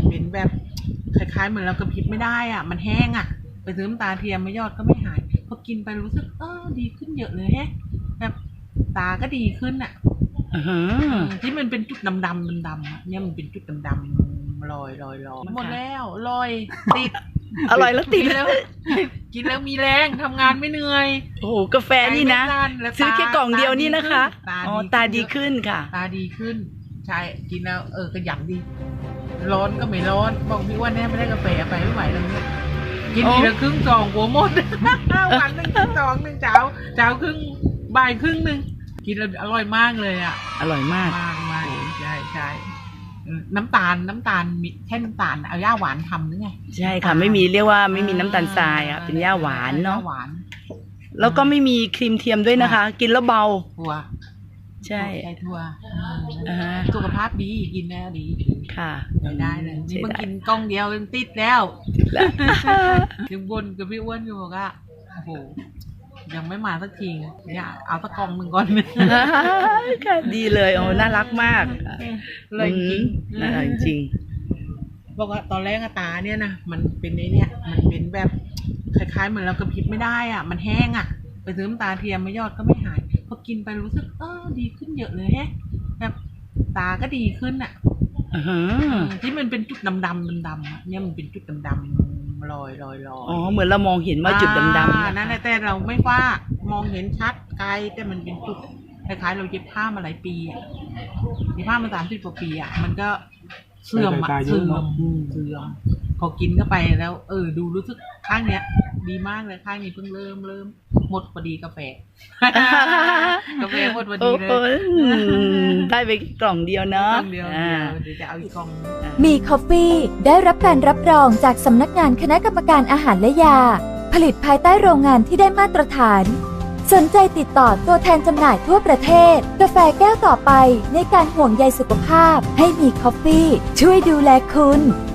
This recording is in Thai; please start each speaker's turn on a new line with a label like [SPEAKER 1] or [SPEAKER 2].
[SPEAKER 1] เป็นแบบคล้ายๆเหมือนเรากระพริบไม่ได้อ่ะมันแห้งอ่ะไปซื้อน้ำตาเทียมไม่ยอดก็ไม่หายพอกินไปรู้สึกดีขึ้นเยอะเลยแฮะแบบตาก็ดีขึ้นอ่ะที่มันเป็นจุดดำเนี่ยมันเป็นจุดดำๆลอยหมดแล้วลอยติด
[SPEAKER 2] อร่อยแล้วติด
[SPEAKER 1] แล้วกินแล้วมีแรงทำงานไม่เหนื่อย
[SPEAKER 2] โอ้โหกาแฟนี่นะซื้อแค่กล่องเดียวนี่นะคะอ๋อตาดีขึ้นค่ะ
[SPEAKER 1] ตาดีขึ้นใช่กินแล้วกระหยั่งดีร้อนก็ไม่ร้อนบอกพี่ว่าแน่ไม่ได้กาแฟไปไม่ไหวแล้วเนี่ยกินทีละครึ่งซองหัวหมดวันหนึ่งซองหนึ่งเช้าครึ่งบ่ายครึ่งหนึ่งกินแล้วอร่อยมากเลยอ่ะ
[SPEAKER 2] อร่อยมาก
[SPEAKER 1] ใช่น้ำตาลมีแค่น้ำตาลเอาย่าหวานทำหรือไง
[SPEAKER 2] ใช่ค่ะไม่มีเรียกว่าไม่มีน้ำตาลทรายอ่ะเป็นย่าหวานเนาะ
[SPEAKER 1] หวาน
[SPEAKER 2] แล้วก็ไม่มีครีมเทียมด้วยนะคะกินแล้วเบา
[SPEAKER 1] ถั่ว
[SPEAKER 2] ใช่
[SPEAKER 1] ถั่วสุขภาพดีกินแล้วดี
[SPEAKER 2] ค่ะ
[SPEAKER 1] ได้เลยนี่เพิ่งกินกล้องเดียวติดแล้วยังบนกับพี่อ้วนอยู่บอกว่าโอ้โหยังไม่มาสักทีเนี่ยเอาสักกล่องหนึ่งก่อน
[SPEAKER 2] ค่ะดีเลยโอ้น่ารักมาก
[SPEAKER 1] เลยจริง
[SPEAKER 2] น่ารักจริง
[SPEAKER 1] บอกว่าตอนแรกตาเนี่ยนะมันเป็นเนี่ยมันเป็นแบบคล้ายๆเหมือนเรากระพริบไม่ได้อ่ะมันแห้งอ่ะไปซื้อน้ำตาเทียมไม่ยอดก็ไม่หายพอกินไปรู้สึกดีขึ้นเยอะเลยแฮะแบบตาก็ดีขึ้นอ่ะที่มันเป็นจุดดำเนี่ยมันเป็นจุดดำลอย
[SPEAKER 2] อ๋อเหมือนเรามองเห็นว่าจุดดำ
[SPEAKER 1] นั่นแต่เราไม่ว่ามองเห็นชัดไกลแต่มันเป็นจุดคล้ายๆเราเย็บผ้ามาหลายปีอ่ะเย็บผ้ามา30 กว่าปีอ่ะมันก็เสื่อมพอกินเข้าไปแล้วดูรู้สึกข้างเนี้ยดีมากเลยข้างนี้เพิ่งเริ่มหมดพอดีกาแฟหมดพอดีเลย
[SPEAKER 2] ได้ไปกล่องเดียวเนาะ
[SPEAKER 1] เดี๋ยวจะเอาอีกกล่อง
[SPEAKER 3] มีคอฟฟี่ได้รับการรับรองจากสำนักงานคณะกรรมการอาหารและยาผลิตภายใต้โรงงานที่ได้มาตรฐานสนใจติดต่อตัวแทนจำหน่ายทั่วประเทศกาแฟแก้วต่อไปในการห่วงใยสุขภาพให้มีคอฟฟี่ช่วยดูแลคุณ